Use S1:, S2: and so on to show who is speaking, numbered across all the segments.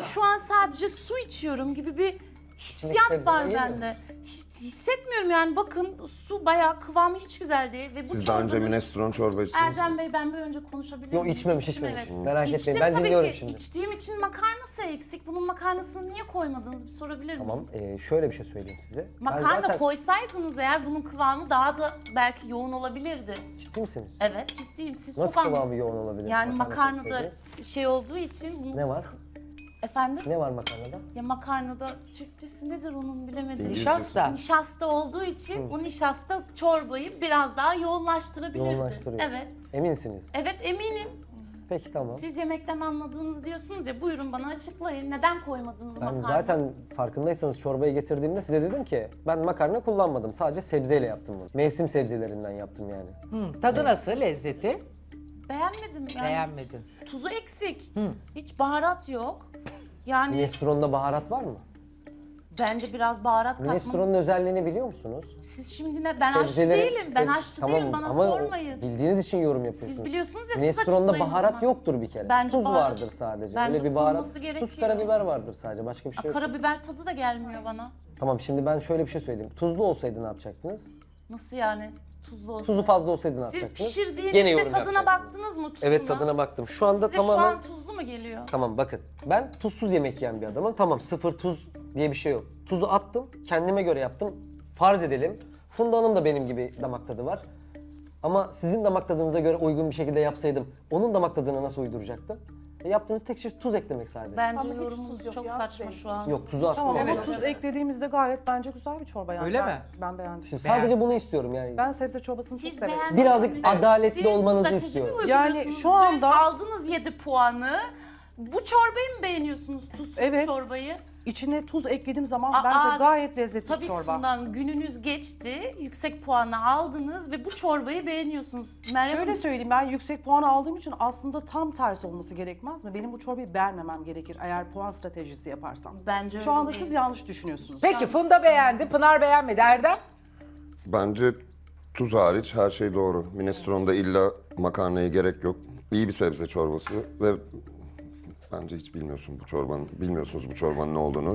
S1: şu an sadece su içiyorum gibi bir hissiyat
S2: sebze
S1: var
S2: yemiyor
S1: bende. Hissetmiyorum yani, bakın su bayağı kıvamı hiç güzel değil. Ve bu
S3: Siz daha önce
S1: çorbanın...
S3: minestrone çorba içtiniz mi?
S1: Erdem Bey, ben bir önce konuşabilir
S2: Yok,
S1: miyim?
S2: içmemiş.
S1: İçtim, evet.
S2: Merak
S1: İçtim
S2: etmeyin, ben
S1: tabii
S2: dinliyorum
S1: ki.
S2: şimdi.
S1: İçtiğim için makarnası eksik. Bunun makarnasını niye koymadınız, bir sorabilir miyim?
S2: Tamam, şöyle bir şey söyleyeyim size. Ben
S1: Makarna
S2: zaten...
S1: koysaydınız eğer bunun kıvamı daha da belki yoğun olabilirdi.
S2: Ciddi misiniz?
S1: Evet, ciddiyim. Siz
S2: Nasıl
S1: çok
S2: kıvamı yoğun olabilir?
S1: Yani makarnada
S2: koysaydınız?
S1: şey olduğu için... Bunu...
S2: Ne var?
S1: Efendim?
S2: Ne var makarnada?
S1: Ya makarnada Türkçesi nedir onun, bilemedim.
S4: Nişasta.
S1: Nişasta olduğu için bu nişasta çorbayı biraz daha yoğunlaştırabilirdi.
S2: Yoğunlaştırıyor.
S1: Evet.
S2: Eminsiniz.
S1: Evet, eminim.
S2: Peki tamam.
S1: Siz yemekten anladığınız diyorsunuz ya, buyurun bana açıklayın. Neden koymadınız
S2: Ben
S1: makarna?
S2: zaten farkındaysanız çorbayı getirdiğimde size dedim ki ben makarna kullanmadım. Sadece sebzeyle yaptım bunu. Mevsim sebzelerinden yaptım yani.
S4: Tadı nasıl, lezzeti?
S1: Beğenmedim yani.
S4: Beğenmedin.
S1: Tuzu eksik. Hiç baharat yok. Yani
S2: Minestrone'da baharat var mı?
S1: bence biraz baharat katmanız.
S2: Minestrone'un özelliğini biliyor musunuz?
S1: Siz şimdi ne? Ben aşçı değilim. Ben aşçı değilim. Bana
S2: ama
S1: sormayın.
S2: bildiğiniz için yorum yapıyorsunuz.
S1: Siz biliyorsunuz ya, siz
S2: Minestrone'da
S1: açıklayın o
S2: baharat
S1: zaman.
S2: yoktur bir kere.
S1: Bence
S2: Tuz
S1: baharat-
S2: vardır sadece.
S1: Bence
S2: Öyle bir baharat.
S1: konması gerekiyor.
S2: Tuz, karabiber vardır sadece. Başka bir şey yok.
S1: Karabiber tadı da gelmiyor bana.
S2: Tamam, şimdi ben şöyle bir şey söyleyeyim. Tuzlu olsaydı ne yapacaktınız?
S1: Nasıl yani? Tuzlu olsun.
S2: Tuzu fazla olsaydı ne
S1: Siz
S2: yapacaktınız?
S1: pişirdiğinizde
S2: yorum
S1: tadına
S2: yapacaktınız.
S1: baktınız mı tuzuna?
S2: Evet, tadına baktım. Şu anda
S1: Size
S2: tamamen...
S1: şu an tuzlu mu geliyor?
S2: Tamam, bakın. Ben tuzsuz yemek yiyen bir adamım. Tamam, sıfır tuz diye bir şey yok. Tuzu attım, kendime göre yaptım. Farz edelim, Funda Hanım da benim gibi damak tadı var. Ama sizin damak tadınıza göre uygun bir şekilde yapsaydım, onun damak tadına nasıl uyduracaktım? Yaptığınız tek şey tuz eklemek sadece.
S1: Bence
S5: Ama hiç
S1: yorumunuz
S5: tuz yok
S1: çok
S5: ya,
S1: saçma
S5: şey.
S1: şu an.
S2: Yok, tuzu attım.
S5: Tamam
S2: ama
S5: ama tuz eklediğimizde gayet bence güzel bir çorba yani.
S4: Öyle
S5: Ben-
S4: mi?
S5: Ben beğendim.
S2: Şimdi sadece bunu istiyorum yani.
S5: Ben sebze çorbasını
S1: Siz
S5: çok severim.
S1: beğenmediniz.
S2: Birazcık adaletli
S1: Siz
S2: olmanızı
S1: strateji mi
S2: istiyorum.
S1: uyguluyorsunuz?
S5: Yani şu anda-
S1: Dün aldınız 7 puanı. Bu çorbayı mı beğeniyorsunuz, tuzsuz
S5: Evet.
S1: çorbayı?
S5: İçine tuz eklediğim zaman
S1: Aa,
S5: bence gayet lezzetli
S1: Tabii
S5: bir
S1: ki
S5: çorba.
S1: bundan gününüz geçti, yüksek puanı aldınız ve bu çorbayı beğeniyorsunuz. Meryem
S5: Şöyle
S1: Hanım,
S5: söyleyeyim, ben yüksek puan aldığım için aslında tam tersi olması gerekmez mi? Benim bu çorbayı beğenmemem gerekir eğer puan stratejisi yaparsam.
S1: bence
S5: Şu
S1: öyle
S5: anda
S1: değil.
S5: siz yanlış düşünüyorsunuz.
S4: Peki Funda beğendi, Pınar beğenmedi. Erdem?
S3: Bence tuz hariç her şey doğru. Minestrone'da illa makarnaya gerek yok. İyi bir sebze çorbası ve bence hiç bilmiyorsunuz bu çorbanın ne olduğunu.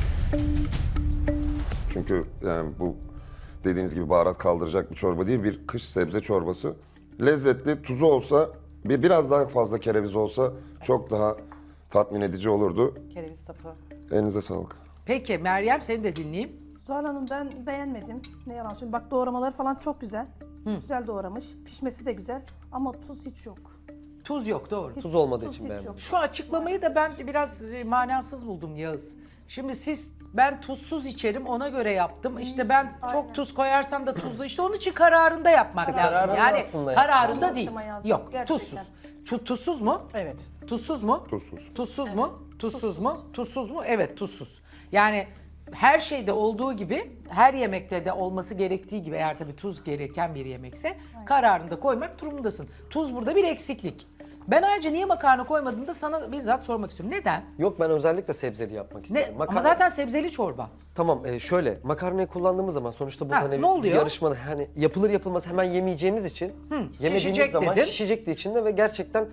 S3: Çünkü yani bu dediğiniz gibi baharat kaldıracak bir çorba değil, bir kış sebze çorbası. Lezzetli, tuzu olsa, biraz daha fazla kereviz olsa çok daha tatmin edici olurdu.
S5: Kereviz sapı.
S3: Elinize sağlık.
S4: Peki Meryem, seni de dinleyeyim.
S6: Zuhal Hanım, ben beğenmedim. Ne yalan söyleyeyim. Bak, doğramaları falan çok güzel. Güzel doğramış. Pişmesi de güzel. Ama tuz hiç yok.
S4: Tuz yok, doğru.
S2: Tuz olmadığı
S6: Tuz
S2: için
S6: hiç
S2: beğenmedim.
S6: yok.
S4: Şu açıklamayı da ben biraz manasız buldum Yağız. Şimdi ben tuzsuz içerim, ona göre yaptım. İşte ben çok
S6: aynen.
S4: tuz koyarsam da tuzlu, işte onun için kararında yapmak lazım.
S2: kararında
S4: Yani
S2: aslında
S4: kararında
S6: yani.
S4: değil.
S6: Akşama yazdım,
S4: Yok,
S6: gerçekten.
S4: tuzsuz. Tuzsuz mu?
S5: Evet.
S4: Tuzsuz mu?
S3: Tuzsuz.
S4: Tuzsuz mu? Tuzsuz mu? Tuzsuz mu? Evet, tuzsuz. Yani her şeyde olduğu gibi, her yemekte de olması gerektiği gibi, eğer tabii tuz gereken bir yemekse kararında koymak durumundasın. Tuz burada bir eksiklik. Ben ayrıca niye makarna koymadığını da sana bizzat sormak istiyorum. Neden?
S2: Yok, ben özellikle sebzeli yapmak
S4: Ne?
S2: istedim.
S4: Ama zaten sebzeli çorba.
S2: Tamam, şöyle makarnayı kullandığımız zaman sonuçta bu
S4: Ha,
S2: hani
S4: ne
S2: bir
S4: oluyor?
S2: yarışmada hani yapılır yapılmaz hemen yemeyeceğimiz için yemediğimiz
S4: şişecek
S2: zaman
S4: dedin.
S2: şişecekti içinde ve gerçekten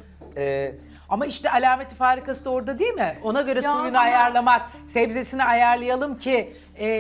S4: Ama işte alameti farikası da orada değil mi? Ona göre
S1: Ya
S4: suyunu
S1: ama-
S4: ayarlamak, sebzesini ayarlayalım ki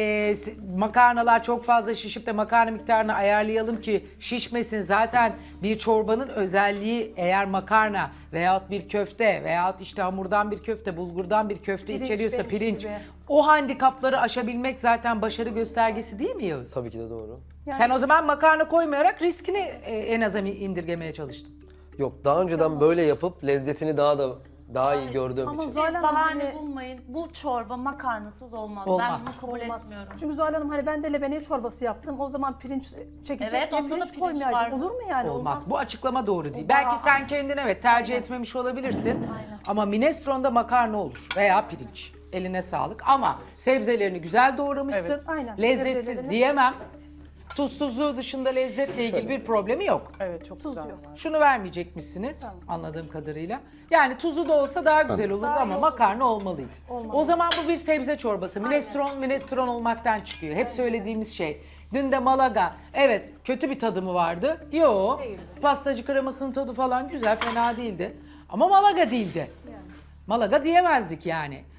S4: makarnalar çok fazla şişip de makarna miktarını ayarlayalım ki şişmesin. Zaten bir çorbanın özelliği, eğer makarna veyahut bir köfte veyahut işte hamurdan bir köfte, bulgurdan bir köfte
S6: Pirinç,
S4: içeriyorsa
S6: benimki
S4: pirinç,
S6: gibi.
S4: o handikapları aşabilmek zaten başarı göstergesi değil mi Yağız?
S2: tabii ki de doğru.
S4: Sen o zaman makarna koymayarak riskini en aza indirgemeye çalıştın.
S2: Yok, daha önceden böyle yapıp lezzetini daha iyi gördüğüm
S6: Ama
S2: için.
S1: Siz
S6: Zuhal Hanım,
S1: bahane
S6: hani-
S1: bulmayın. Bu çorba makarnasız olmaz.
S4: Olmaz.
S1: Ben bunu kabul
S6: Olmaz.
S1: etmiyorum.
S6: Çünkü Zuhal Hanım, hani ben de lebeniye çorbası yaptım. O zaman pirinç çekecek
S1: Evet,
S6: diye
S1: onda da
S6: pirinç
S1: pirinç
S6: koymayaydım.
S1: vardı.
S6: Olur mu yani?
S4: Olmaz. Bu açıklama doğru değil.
S6: O
S4: Belki
S6: daha-
S4: sen kendin evet tercih etmemiş olabilirsin. Ama minestrone'da makarna olur veya pirinç. Eline sağlık. Ama sebzelerini güzel doğramışsın.
S5: Evet.
S6: Aynen.
S4: Lezzetsiz
S6: Sebzelerini-
S4: diyemem. Tuzsuzluğu dışında lezzetle ilgili bir problemi yok.
S5: Evet, çok
S6: Tuz
S5: güzel.
S6: yok.
S4: Şunu vermeyecekmişsiniz anladığım kadarıyla. Yani tuzu da olsa daha güzel olurdu
S6: Daha iyi
S4: ama
S6: olurdu.
S4: makarna olmalıydı.
S6: Olmalı.
S4: O zaman bu bir sebze çorbası. Minestrone olmaktan çıkıyor. Hep söylediğimiz şey. Dün de Malaga. Evet, kötü bir tadı mı vardı? Yo.
S6: Değildi.
S4: Pastacı kremasının tadı falan güzel, fena değildi. Ama Malaga değildi. Malaga diyemezdik yani.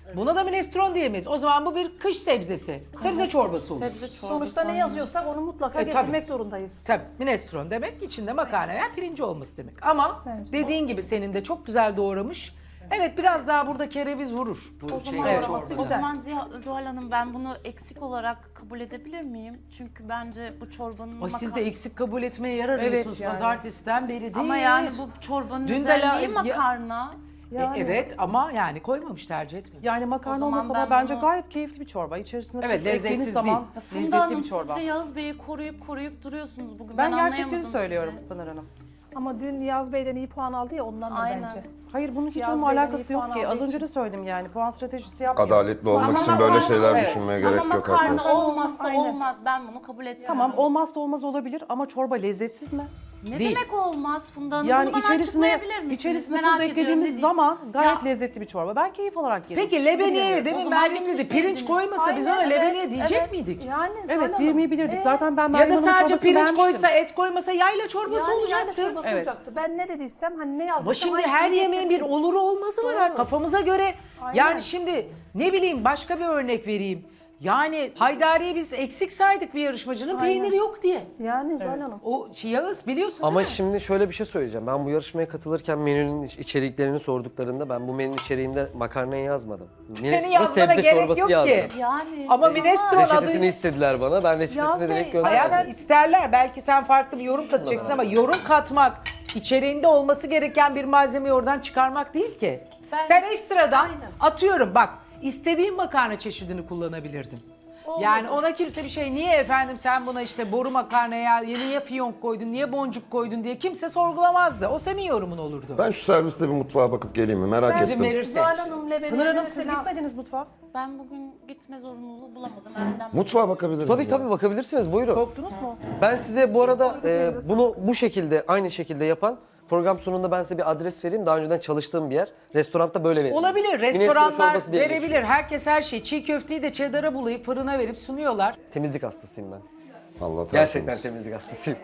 S4: Buna da minestrone diyemeyiz. O zaman bu bir kış sebzesi. Sebze çorbası olur.
S1: Sebze çorbası.
S6: Sonuçta ne yazıyorsak onu mutlaka
S4: tabii.
S6: getirmek zorundayız.
S4: Tabii minestrone demek içinde makarna veya pirinci olması demek. Ama
S6: Bence.
S4: dediğin gibi senin de çok güzel doğramış. Evet biraz daha burada kereviz vurur bu
S1: O zaman,
S4: şeyde,
S6: Evet.
S1: o
S4: çorbada.
S1: zaman Zuhal Hanım ben bunu eksik olarak kabul edebilir miyim? Çünkü bence bu çorbanın
S4: Ay siz de eksik kabul etmeye yer arıyorsunuz
S5: yani.
S4: pazartesiden beri değil.
S1: Ama yani bu çorbanın
S4: Dün de
S1: özelliği
S4: ya-
S1: makarna.
S6: Yani.
S4: Evet ama yani koymamış tercih etmedim.
S5: Yani
S1: O
S5: makarna
S1: zaman
S5: olmasa
S1: ben
S5: da bence
S1: bunu-
S5: gayet keyifli bir çorba. İçerisinde
S4: Evet,
S5: tuz eklediğiniz
S4: lezzetsiz
S5: zaman
S4: değil.
S1: Funda
S5: lezzetli
S1: Hanım
S5: bir çorba.
S1: siz de Yağız Bey'i koruyup duruyorsunuz bugün.
S5: Ben
S1: anlayamadım
S5: gerçekleri söylüyorum
S1: sizi.
S5: Pınar Hanım.
S6: Ama dün Yaz Bey'den iyi puan aldı ya ondan da
S1: Aynen.
S6: bence.
S5: Hayır bunun hiç
S6: Yaz
S5: onunla
S6: Bey'den iyi
S5: alakası
S6: puan
S5: yok ki.
S6: aldığı
S5: Az önce
S6: için.
S5: de söyledim yani. Puan stratejisi yapmıyor.
S3: Adaletli olmak
S1: Ama
S3: için böyle
S1: makarna-
S3: şeyler
S5: evet.
S3: düşünmeye
S1: Ama
S3: gerek yok.
S1: makarna
S3: haklısın.
S1: olmazsa
S6: Aynen.
S1: olmaz. Ben bunu kabul etmem.
S5: Tamam olmazsa olmaz olabilir ama çorba lezzetsiz mi?
S1: Ne
S4: Değil.
S1: demek olmaz Funda Hanım?
S5: Yani
S1: bunu bana
S5: içerisine
S1: açıklayabilir misiniz?
S5: içerisine
S1: Merak
S5: tuz
S1: ediyorum, ne
S5: eklediğimiz
S1: diyeyim?
S5: zaman gayet
S1: Ya-
S5: lezzetli bir çorba. Ben keyif olarak yedim.
S4: Peki lebeniye
S1: O
S4: demin
S1: zaman
S4: Meryem dedi pirinç
S1: getirseydiniz.
S4: koymasa biz ona
S6: Aynen,
S4: lebeniye
S1: evet,
S4: diyecek
S1: evet.
S4: miydik?
S6: Yani Zuhal
S5: Evet
S6: Hanım,
S5: diyemeyebilirdik. Zaten ben
S4: Ya
S5: Meryem
S4: da
S5: Hanım'ın
S4: sadece
S5: çorbasını
S4: pirinç
S5: beğenmiştim.
S4: koysa et koymasa yayla çorbası
S6: yani
S4: olacaktı.
S6: yani çorbası
S5: Evet.
S6: olacaktı. Ben ne dediysem hani ne yazdıysam
S4: Ama şimdi
S6: aynısını
S4: her yemeğin bir
S6: getirdim.
S4: oluru olmazı var. ha.
S6: Doğru.
S4: Kafamıza göre.
S6: Aynen.
S4: Yani şimdi ne bileyim başka bir örnek vereyim. Yani Haydari'yi biz eksik saydık bir yarışmacının
S6: Aynen.
S4: peyniri yok diye.
S6: Yani Zuhal Hanım.
S4: O Yağız biliyorsun
S2: Ama
S4: değil mi?
S2: şimdi şöyle bir şey söyleyeceğim. Ben bu yarışmaya katılırken menünün içeriklerini sorduklarında ben bu menünün içeriğinde makarnayı yazmadım.
S4: Senin yazmana gerek yok ki.
S1: Yani
S4: Ama minestrone
S2: Reçetesini
S4: adı...
S2: istediler bana. Ben reçetesini
S6: Yaz
S2: direkt
S6: Bey,
S2: gönderdim.
S4: Hayatım isterler. Belki sen farklı bir yorum katacaksın ama yorum katmak içeriğinde olması gereken bir malzemeyi oradan çıkarmak değil ki.
S1: Ben-
S4: Sen ekstradan
S6: Aynen.
S4: atıyorum bak istediğin makarna çeşidini kullanabilirdin. Yani ona kimse bir şey niye efendim sen buna işte boru makarnaya niye fiyonk koydun, niye boncuk koydun diye kimse sorgulamazdı. O senin yorumun olurdu.
S3: Ben şu serviste bir mutfağa bakıp geleyim mi? Merak
S4: İzin
S3: ettim.
S4: verirse.
S6: Zuhal Hanım lebeniye
S5: Pınar Hanım siz
S6: mesela
S5: gitmediniz mutfağa.
S1: Ben bugün gitme zorunluluğu bulamadım. Evden
S3: Mutfağa bakabilirim.
S2: Tabii tabii bakabilirsiniz. Buyurun.
S5: Korktunuz mu?
S2: Ben size bu arada
S6: koyduk,
S2: bunu bu şekilde aynı şekilde yapan program sonunda ben size bir adres vereyim. Daha önceden çalıştığım bir yer. Restoranda böyle veriyor.
S4: Olabilir.
S2: Minestrone
S4: Restoranlar
S2: çorbası diye
S4: verebilir.
S2: geçiyor.
S4: Herkes her şeyi. Çiğ köfteyi de cheddar'a bulayıp fırına verip sunuyorlar.
S2: Temizlik hastasıyım ben.
S3: Allah
S2: Gerçekten
S3: tertemiz.
S2: temizlik hastasıyım.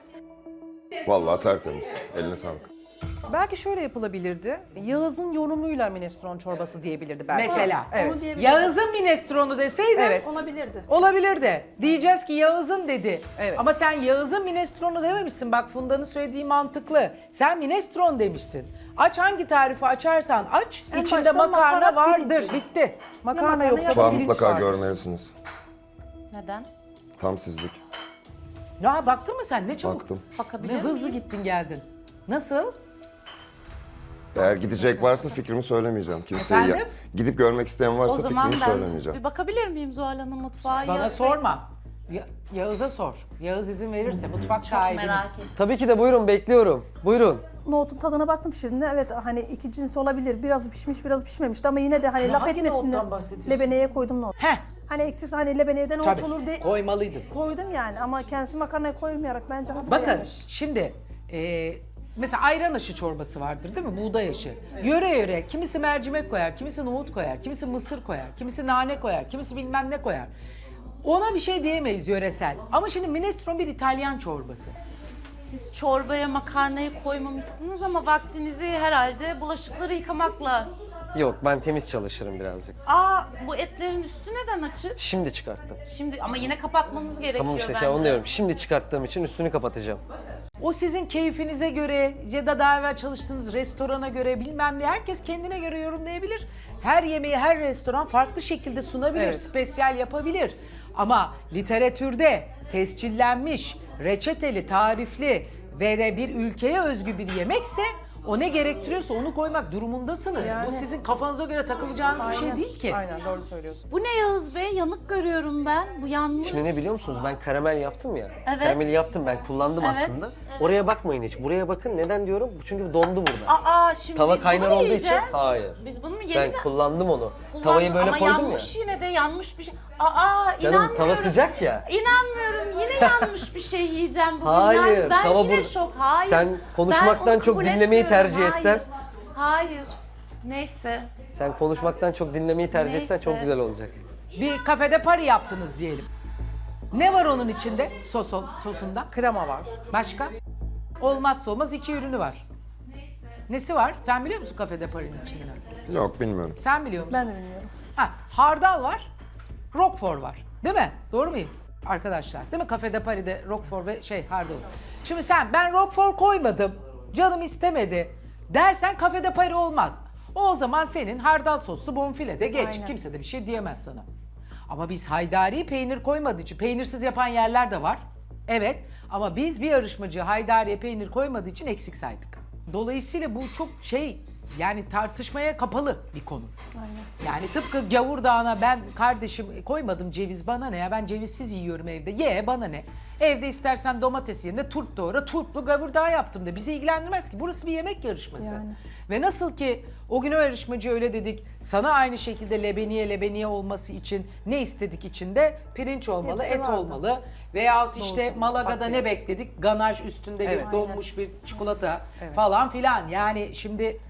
S3: Vallahi tertemiz. Eline sağlık.
S5: Belki şöyle yapılabilirdi. Yağız'ın yorumuyla minestrone çorbası diyebilirdi belki.
S4: Mesela.
S5: Evet.
S6: Onu diyebilirim.
S4: Yağız'ın minestronu deseydi
S5: Evet.
S6: olabilirdi.
S4: olabilir de. Diyeceğiz ki Yağız'ın dedi.
S5: Evet.
S4: Ama sen Yağız'ın minestronu dememişsin. Bak Funda'nın söylediği mantıklı. Sen minestron demişsin. Aç hangi tarifi açarsan aç.
S6: En
S4: içinde
S6: baştan
S4: makarna
S6: makarna,
S4: vardır.
S6: pirinç.
S4: Bitti.
S5: Makarna
S6: makarna
S5: yoksa
S6: yap-
S3: Mutfağı
S5: pirinç
S3: mutlaka
S5: vardır.
S3: görmelisiniz.
S1: Neden?
S3: Tam sizlik.
S4: Ya baktın mı sen? Ne çabuk.
S3: Baktım.
S1: Bakabilir
S4: Ne
S1: miyim?
S4: hızlı gittin geldin. Nasıl?
S3: Eğer gidecek varsa fikrimi söylemeyeceğim. Kimseye
S4: Efendim?
S3: gidip görmek isteyen
S1: O
S3: varsa
S1: zaman
S3: fikrimi
S1: ben
S3: söylemeyeceğim.
S1: bir bakabilir miyim Zuhal Hanım mutfağa?
S4: Bana
S1: Yağız Bey?
S4: sorma. Yağız'a sor. Yağız izin verirse mutfak
S1: Çok
S4: sahibinin.
S1: merak ettim.
S2: Tabii ki de buyurun bekliyorum. Buyurun.
S6: Nohutun tadına baktım şimdi. Evet hani iki cins olabilir. Biraz pişmiş, biraz pişmemişti ama yine de hani
S4: Ne
S6: laf
S4: hangi
S6: etmesinler.
S4: nohuttan bahsediyorsun?
S6: Lebeneye koydum nohut.
S4: Heh.
S6: Hani eksik hani lebeneyede nohut
S4: Tabii.
S6: olur diye
S4: Koymalıydın.
S6: koydum yani ama kendisi makarnaya koymayarak bence hata
S4: Bakın
S6: yapmış.
S4: şimdi mesela ayran aşı çorbası vardır değil mi? Buğday aşı. Yöre yöre kimisi mercimek koyar, kimisi nohut koyar, kimisi mısır koyar, kimisi nane koyar, kimisi bilmem ne koyar. Ona bir şey diyemeyiz yöresel. Ama şimdi minestrone bir İtalyan çorbası.
S1: Siz çorbaya makarnayı koymamışsınız ama vaktinizi herhalde bulaşıkları yıkamakla...
S2: Yok ben temiz çalışırım birazcık.
S1: Aa bu etlerin üstü neden açık?
S2: Şimdi çıkarttım.
S1: Şimdi ama yine kapatmanız gerekiyor
S2: Tamam işte
S1: bence.
S2: onu diyorum. Şimdi çıkarttığım için üstünü kapatacağım.
S4: O sizin keyfinize göre ya da daha evvel çalıştığınız restorana göre bilmem ne herkes kendine göre yorumlayabilir. Her yemeği her restoran farklı şekilde sunabilir,
S5: Evet.
S4: spesyal yapabilir. Ama literatürde tescillenmiş, reçeteli, tarifli ve de bir ülkeye özgü bir yemekse o ne gerektiriyorsa onu koymak durumundasınız.
S6: Yani.
S4: Bu sizin kafanıza göre takılacağınız bir şey
S6: Aynen.
S4: değil ki.
S5: Aynen doğru söylüyorsun.
S1: Bu ne Yağız Bey? Yanık görüyorum ben. Bu yanmış.
S2: Şimdi ne biliyor musunuz? Ben karamel yaptım ya.
S1: Evet.
S2: Karameli yaptım ben kullandım
S1: Evet,
S2: aslında.
S1: evet.
S2: Oraya bakmayın hiç. Buraya bakın. Neden diyorum? Çünkü dondu burada.
S1: Aa şimdi
S2: Tava
S1: biz
S2: kaynar
S1: bunu mu
S2: olduğu için
S1: yiyeceğiz?
S2: hayır.
S1: Biz bunu mu
S2: Ben
S1: yeniden
S2: kullandım onu.
S1: kullandık?
S2: Tavayı böyle
S1: ama
S2: koydum ya.
S1: yanmış yine de yanmış bir şey. Aa
S2: Canım
S1: inanmıyorum.
S2: tava sıcak ya.
S1: İnanmıyorum. Yine yanmış bir şey yiyeceğim bugün.
S2: Hayır,
S1: Yani ben
S2: tava
S1: yine
S2: burada.
S1: şok. Hayır.
S2: Sen konuşmaktan
S1: Ben onu
S2: çok
S1: kabul
S2: dinlemeyi
S1: etmiyorum.
S2: tercih etsen.
S1: Hayır. Neyse.
S2: Sen konuşmaktan çok dinlemeyi tercih etsen
S1: Neyse.
S2: çok güzel olacak.
S4: Bir kafede pari yaptınız diyelim. Ne var onun içinde? Sosunda.
S5: Krema var.
S4: Başka? Olmazsa olmaz iki ürünü var. Nesi var? Sen biliyor musun Cafe de Paris'in içinde?
S3: Yok bilmiyorum.
S4: Sen biliyor musun?
S6: Ben de bilmiyorum.
S4: Ha, hardal var, roquefort var. Değil mi? Doğru muyum arkadaşlar? Değil mi? Cafe de Paris'de roquefort ve hardal. Şimdi ben roquefort koymadım, canım istemedi dersen Cafe de Paris olmaz. O zaman senin hardal soslu bonfile de geç.
S6: Aynen.
S4: Kimse de bir şey diyemez sana. Ama biz haydari peynir koymadığı için, peynirsiz yapan yerler de var. Evet, ama biz bir yarışmacı haydariye peynir koymadığı için eksik saydık. Dolayısıyla bu çok yani tartışmaya kapalı bir konu.
S6: Aynen.
S4: Yani tıpkı gavurdağına ben kardeşim koymadım ceviz, bana ne ya, ben cevizsiz yiyorum evde, ye bana ne. Evde istersen domates yerine turp doğra, turplu gavurdağı yaptım de, bizi ilgilendirmez ki, burası bir yemek yarışması.
S6: Yani.
S4: Ve nasıl ki o gün o yarışmacı öyle dedik, sana aynı şekilde lebeniye olması için ne istedik içinde? Pirinç olmalı,
S6: Hepsi
S4: et
S6: vardı.
S4: olmalı. Veyahut işte Malaga'da ne bekledik? Ganaj üstünde
S5: Evet.
S4: bir donmuş bir çikolata falan filan. Yani şimdi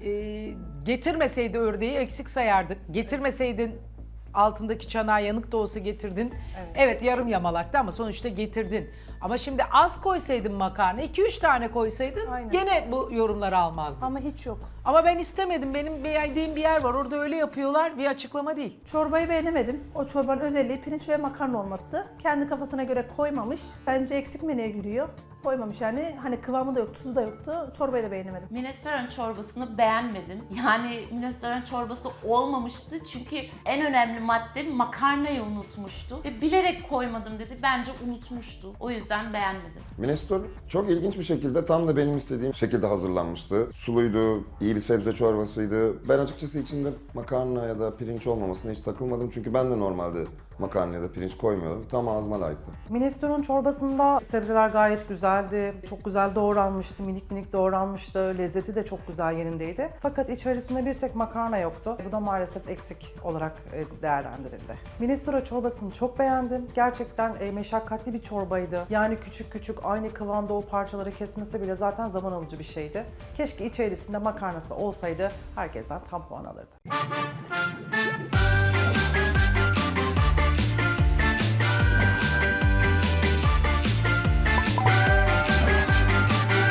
S4: getirmeseydi ördeği eksik sayardık. Getirmeseydin altındaki çanağı yanık da olsa getirdin. Evet yarım yamalaktı ama sonuçta getirdin. Ama şimdi az koysaydın makarna, 2-3 tane koysaydın
S6: Aynen.
S4: gene bu yorumları almazdın.
S6: Ama hiç yok.
S4: Ama ben istemedim. Benim beğendiğim bir yer var. Orada öyle yapıyorlar. Bir açıklama değil.
S6: Çorbayı beğenemedim. O çorbanın özelliği pirinç ve makarna olması. Kendi kafasına göre koymamış. Bence eksik menüye giriyor. Koymamış yani. Hani kıvamı da yok, tuzu da yoktu. Çorbayı da beğenemedim.
S1: Minestrone çorbasını beğenmedim. Yani minestrone çorbası olmamıştı çünkü en önemli madde makarnayı unutmuştu. Ve bilerek koymadım dedi. Bence unutmuştu. O yüzden beğenmedim.
S3: Minestrone çok ilginç bir şekilde tam da benim istediğim şekilde hazırlanmıştı. Suluydu, iyi bir sebze çorbasıydı. Ben açıkçası içinde makarna ya da pirinç olmamasına hiç takılmadım. Çünkü ben de normalde makarna ya da pirinç koymuyorum. Tam ağzıma layıktı.
S5: Minestrone çorbasında sebzeler gayet güzeldi. Çok güzel doğranmıştı, minik minik doğranmıştı. Lezzeti de çok güzel yerindeydi. Fakat içerisinde bir tek makarna yoktu. Bu da maalesef eksik olarak değerlendirildi. Minestrone çorbasını çok beğendim. Gerçekten meşakkatli bir çorbaydı. Yani küçük küçük aynı kıvamda o parçaları kesmesi bile zaten zaman alıcı bir şeydi. Keşke içerisinde makarnası olsaydı herkesten tam puan alırdı.